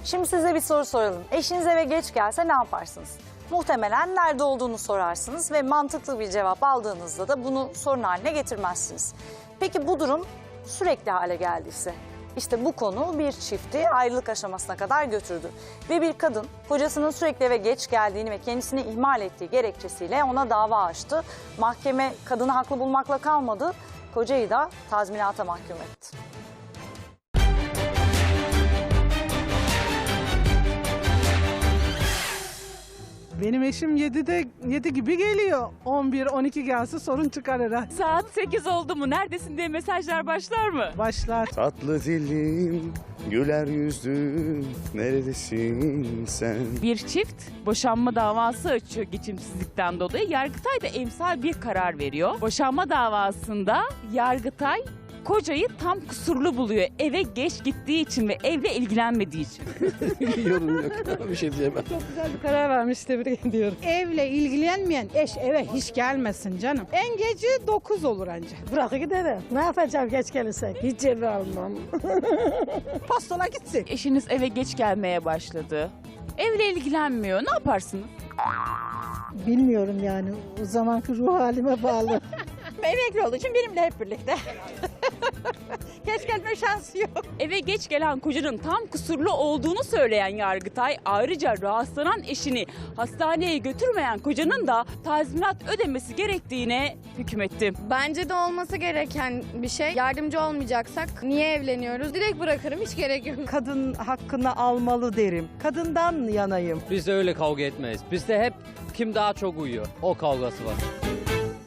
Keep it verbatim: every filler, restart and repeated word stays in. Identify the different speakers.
Speaker 1: Şimdi size bir soru soralım. Eşiniz eve geç gelse ne yaparsınız? Muhtemelen nerede olduğunu sorarsınız ve mantıklı bir cevap aldığınızda da bunu sorun haline getirmezsiniz. Peki bu durum sürekli hale geldiyse? İşte bu konu bir çifti ayrılık aşamasına kadar götürdü. Ve bir kadın kocasının sürekli eve geç geldiğini ve kendisini ihmal ettiği gerekçesiyle ona dava açtı. Mahkeme kadını haklı bulmakla kalmadı, kocayı da tazminata mahkum etti.
Speaker 2: Benim eşim yedide yedi gibi geliyor. on bir on iki gelse sorun çıkar herhalde.
Speaker 3: Saat sekiz oldu mu neredesin diye mesajlar başlar mı?
Speaker 2: Başlar.
Speaker 4: Tatlı dilim, güler yüzlüm, neredesin sen?
Speaker 3: Bir çift boşanma davası açıyor geçimsizlikten dolayı. Yargıtay da emsal bir karar veriyor. Boşanma davasında Yargıtay kocayı tam kusurlu buluyor. Eve geç gittiği için ve evle ilgilenmediği için.
Speaker 5: Yorum yok. Bir şey diyemem.
Speaker 2: Çok güzel bir karar vermiş, tebrik ediyorum. Evle ilgilenmeyen eş eve hiç gelmesin canım. En geci dokuz olur anca.
Speaker 6: Bırak gidelim. Ne yapacağım geç gelirsek? Hiç eve almam.
Speaker 2: Postala gitsin.
Speaker 3: Eşiniz eve geç gelmeye başladı. Evle ilgilenmiyor. Ne yaparsınız?
Speaker 6: Bilmiyorum yani. O zamanki ruh halime bağlı.
Speaker 7: Emekli olduğu için benimle hep birlikte. Geç gelme şansı yok.
Speaker 3: Eve geç gelen kocanın tam kusurlu olduğunu söyleyen Yargıtay ayrıca rahatsızlanan eşini hastaneye götürmeyen kocanın da tazminat ödemesi gerektiğine hükmetti.
Speaker 8: Bence de olması gereken bir şey. Yardımcı olmayacaksak niye evleniyoruz? Direkt bırakırım, hiç gerek yok.
Speaker 9: Kadın hakkını almalı derim. Kadından yanayım.
Speaker 5: Biz de öyle kavga etmeyiz. Bizde hep kim daha çok uyuyor. O kavgası var.